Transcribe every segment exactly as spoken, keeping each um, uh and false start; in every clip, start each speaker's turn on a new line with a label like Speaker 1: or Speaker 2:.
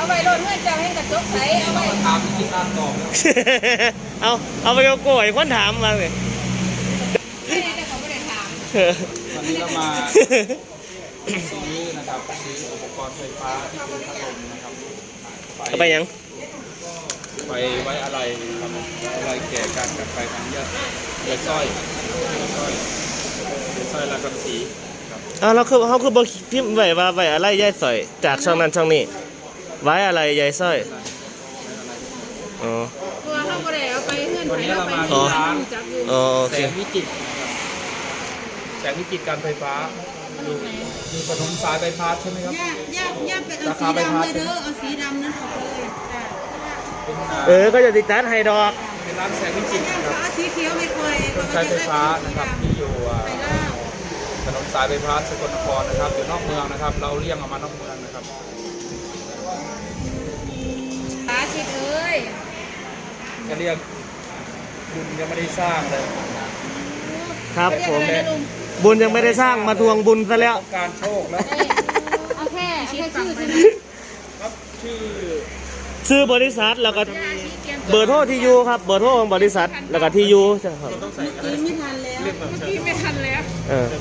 Speaker 1: เอาไปรถเมื่อจะให้กระจกใสเอาไป
Speaker 2: ถามที่ข้ามตอบ
Speaker 3: เอาเอาไปเอาโกยคนถามมาเลย
Speaker 1: ไม่ได้แต่เขาไม่ได้ถาม
Speaker 2: วันนี้เรามาซื้อนะครับซื้ออุปกรณ์ไฟฟ้าที่เป็นพัดลมนะครับ
Speaker 3: ไปยัง
Speaker 2: ไปไว้อะไรทำอะไรแก่การกันไปของยาเดือดสร้อยสร้อยเดือดสร้อยลากำสี
Speaker 3: อ้าวเราคือเขาคือบอกพิมพ์ไว้ว่าไว้อะไรยายสร้อยจากช่องนั้นช่องนี้ไว้อะไรยายสร้อยอ๋อ
Speaker 1: ตัวเขาก็ได้เอาไปเพื่อน
Speaker 2: วันนี้เรามา
Speaker 3: ที่
Speaker 2: ร้าน
Speaker 3: แส
Speaker 2: งวิจิตรแสงวิจิตรการไฟฟ้าอยู่มีถนนสายไฟฟ้าใช่ไหมครับ
Speaker 1: ย่าย่าย่าไปเอาสีดำเลยเด้อเอาสีดำนั้นออกเลย
Speaker 3: เออก็จะติดตั้งไฮดรอก
Speaker 2: เป็นร้านแสงวิจิตรครับ
Speaker 1: สีเขียวไม่เคย
Speaker 2: ใช้ไฟฟ้านะครับที่อยู่ถนนสายไฟฟ้าสกลนครนะครับอยู่นอกเมืองนะครับเราเลี่ยงออกมานอกเมืองนะครับ
Speaker 1: ตาชิดเอ้ย
Speaker 2: จะเรียกบุญยังไม่ได้สร้างเลย
Speaker 3: ครับผมบุญยังไม่ได้สร้างมาทวงบุญซะแล้ว
Speaker 2: การโชคแล้ว
Speaker 1: เอาแค่แค่ชื่อใช่ไหม
Speaker 2: ครับชื่อ
Speaker 3: ชื่อบริษัทแล้วก็เบอร์โทรที่อยู่ครับเบอร์โทรของบริษัทแล้วก็ที่อยู่ใช่ครับ
Speaker 1: ไม่ทันแล้วพี่ไม่ทันแล้ว
Speaker 3: เออ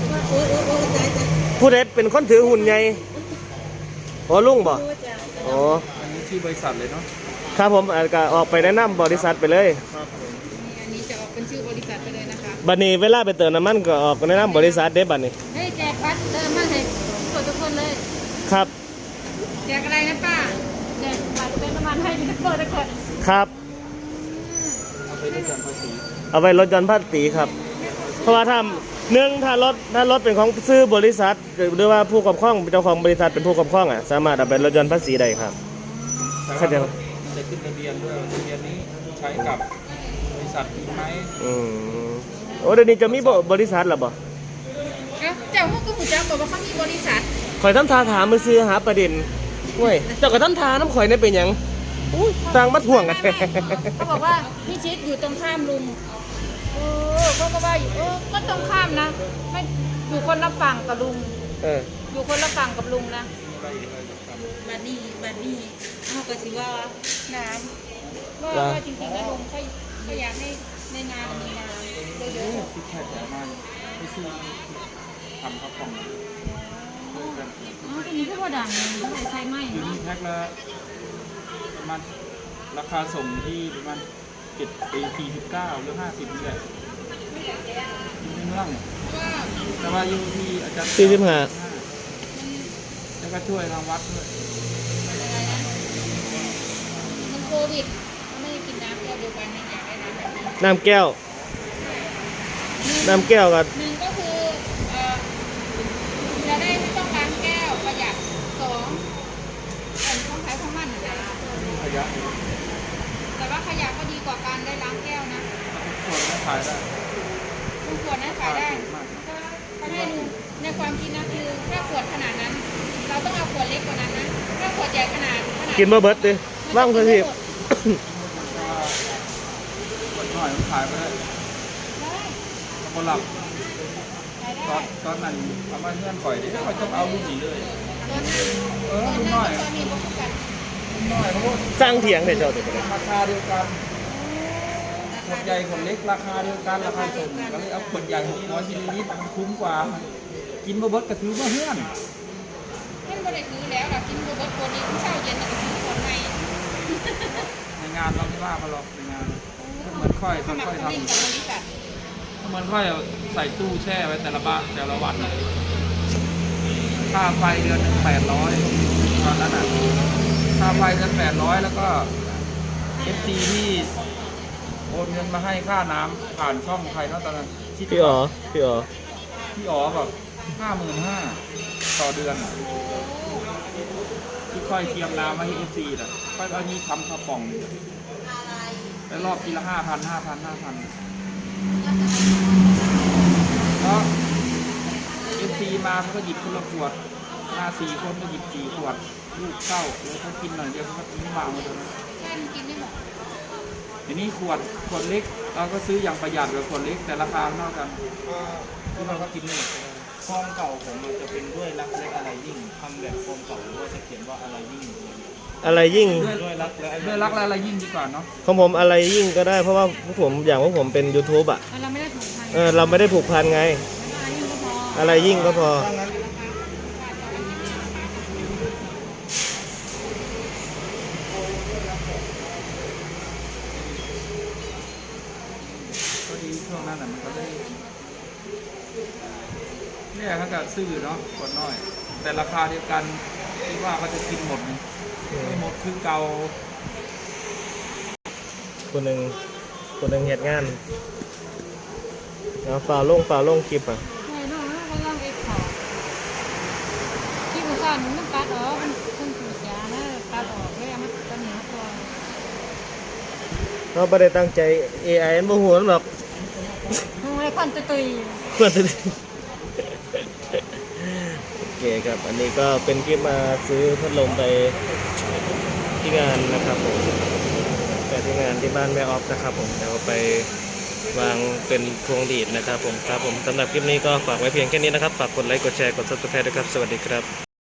Speaker 3: ผู้ใดเป็นคนถือหุ่นใหญ่โอ้ลุงบ่โอ้
Speaker 2: อันนี้ชื่อบริษัทเลยเนาะ
Speaker 3: ครับผมอาจจะออกไปแนะนำบริษัทไปเลย
Speaker 1: อันนี้จะออกเป็นชื่อบริษัทไปเลยนะคะ
Speaker 3: บัดนี้เวลาไปเติมน้ำมันก็ออกแนะนำบริษัทเด้บัดนี้
Speaker 1: เฮ้ยแจกบัตรเติมมาให้ทุกคนเลย
Speaker 3: ครับ
Speaker 1: แจกอะไรนะป้าแจกบัตรเติมน้ำมันให้ทุกคนทุกคน
Speaker 3: ครับ
Speaker 2: เอาไปลดหย่อนภาษี
Speaker 3: เอาไปลดหย่อนภาษีครับเพราะว่าถ้าหนึ่งถ้ารถถ้ารถเป็นของซื้อบริษัทหรือว่าผู้ครอบครองเจ้าของบริษัทเป็นผู้ครอบครองอ่ะสามารถเอาไปลดหย่อนภาษีได้ครับ
Speaker 2: เข้าใจไหมจะขึ้นทะเบียนด้วยทะเบียนนี้ใช้กับบริษัทไหม
Speaker 3: อืมโอ้เดี๋ยวนี้จะมีบริษัทหรอบ่
Speaker 1: เจ้าพวกก็ผู้จ้าบอกว่าเขามีบริษัท
Speaker 3: ข่อยทำทาถามมือซื้อหาประเด็นเว้ยเจ้าก็ทำทาน้ำข่อยนี่เป็นยังต่างมาถ่วงกัน
Speaker 1: เขาบอกว่าพี่ชิดอยู่ตรงข้ามลุงเออเขาก็ว่าอยู่เออก็ตรงข้ามนะไม่อยู่คนละฝั่งกับลุง
Speaker 3: เออ
Speaker 1: อยู่คนละฝั่งกับลุงนะบัดนี้บัดนี้เขาก็สิว่าน้ำว่าว่าจริงๆแล้วลุงเขาเขาอยากให้ในงานมีน้ำเยอะๆ
Speaker 2: ที่แค่แต่มาไม่ซื้อทำข้าวกล่อง
Speaker 1: อ๋อตัวนี้ก็ว่าดังเลยใช้ไหม
Speaker 2: เนาะแพ็คละประมาณราคาส่งที่ประมาณเจ็ดปีสี่สิบเก้าหรือห้าสิบนี่แหละในเมืองแต่ว่าอยู่ที่อาจารย์
Speaker 3: สี่สิบห้า
Speaker 2: แล้วก็ช่วยทางวัดด้วย
Speaker 1: มันโควิดไม่ได้กินน้ำแก้วเดียวกันในอยากได้น้ำแบบนี้
Speaker 3: น้ำแก้วน้ำแก้วกัน
Speaker 1: หนึ่งก็คือจะได้ไม่ต้องล้างแก้วประหยัดสองเป็นของใช้ของมันนะ
Speaker 2: ขยะ
Speaker 1: แต่ว่าขยะก็ดีกว่าการได้ล้างแก้วนะ
Speaker 2: ขวดนั้นขายได้
Speaker 1: ขวดนั้นขายได้ถ้าให้ดูในความคิดนะคือถ้าขวดขนาดนั้นเราต้องเอาขวดเล็กกว่านั้นนะถ้าขวดใหญ่ขนาด
Speaker 3: กินมาเบิร์ดดิว่างคือที่
Speaker 2: ขวดหน่อยมันขายไปได้คนหลับตอนตอนนั้นเอามาเงื่อนข่อยดิเขาจะเอาลูกหนีเลยเออลูกน้อยลูกน้อยเขา
Speaker 3: สร้างเถียงเดี๋ยวเจ้าเดี๋ยว
Speaker 2: ราคาเดียวกันขวดใหญ่ขวดเล็กราคาเดียวกันราคาส่งก็เลยเอาขวดใหญ่หกร้อยมิลลิลิตรมันคุ้มกว่ากินบะเบิดกระถือว่าเฮื่อน
Speaker 1: ไม่ได้ถือแล้วเรากินบะเบิดคนนี้เช้าเย็นเราก็ถือคนใหม่
Speaker 2: ในงานเราไม่ว่าเขาหรอกในงานเหมือนค่อยค่อยทำเหมือนค่อยใส่ตู้แช่ไว้แต่ละบ้านแต่ละวันค่าไฟเดือนหนึ่งแปดร้อยตอนนั้นอ่ะค่าไฟเดือนแปดร้อยแล้วก็เอฟซีที่โอนเงินมาให้ค่าน้ำผ่านช่องใครเนาะตอนนั้น
Speaker 3: พี่อ๋อพี่อ๋อ
Speaker 2: พี่อ๋อแบบห้าหมื่นห้าต่อเดือนที่ค่อยเตรียมน้ำมาให้เอฟซีน่ะค่อยเอานี้ทำข้าวป่องแล้วรอบทีละห้าพันห้าพันห้าพันเพราะเอฟซีมาเขาก็หยิบคนละขวดมาสี่คนก็หยิบสี่ขวดลูกเข้าแล้วเขากินหน่อยเดียวเขาก็ทิ้งวางไว้ตรงนั้น
Speaker 1: กินได้หมด
Speaker 2: ทีนี้ขวดขวดเล็กเราก็ซื้ออย่างประหยัดกว่าขวดเล็กแต่ราคาเท่ากันที่เราก็กินไม่หมด
Speaker 4: ฟอร์มเก่าผมมันจะเป็นด้วยรักเล็กอะไรยิ่งทำแบบฟอร์มเก่าหรือว่าจะเขียนว่าอะไรยิ่ง
Speaker 3: อะไรยิ่ง
Speaker 2: ด้วยด้วยรักและด้วยรักและอะไรยิ่งดีกว่าเนาะ
Speaker 3: ของผมอะไรยิ่งก็ได้เพราะว่าพวกผมอย่างพวกผมเป็น YouTube อ่ะ
Speaker 1: เราไม่ได้ถูกพัน
Speaker 3: เออเราไม่ได้ผูกพันไง
Speaker 1: อะไรยิ่งก็พอ
Speaker 3: อะไรยิ่งก็พอ
Speaker 2: ถ้างั้นก็ดีช่วงนั้นน่ะมันก็ได้เนี่ยเขาก็ซื้อเนาะกดน้อย แต่ราคาเดียวกันคิดว่าเขาจะกินหมดไหมไม่หมดคือเก่า
Speaker 3: คนหนึ่งคนหนึ่งเหตุงานแล้วฝ่าลงฝ่าลงคลิปอ่ะ
Speaker 1: ใช่น้องเราก็ต้องเอ็กซ์พอร์ตที่กูสอนมันตัดออกมันมันถูกยานะตัดออกเลยเอามาตัดเหนียวตัว
Speaker 3: เราไม่ได้ตั้งใจ เอ ไอ มันบ่หัวมันหรอก
Speaker 1: มึงไม่ได้พันตุยตุย
Speaker 3: เพื่อนโอเคครับ อันนี้ก็เป็นคลิปมาซื้อพัดลมไปที่งานนะครับผมไปที่งานที่บ้านแม่ออฟนะครับผมเดี๋ยวไปวางเป็นพวงดีดนะครับผมครับผมสำหรับคลิปนี้ก็ฝากไว้เพียงแค่นี้นะครับ ฝากกดไลค์กดแชร์กด ซับสไครบ์ ด้วยครับ สวัสดีครับ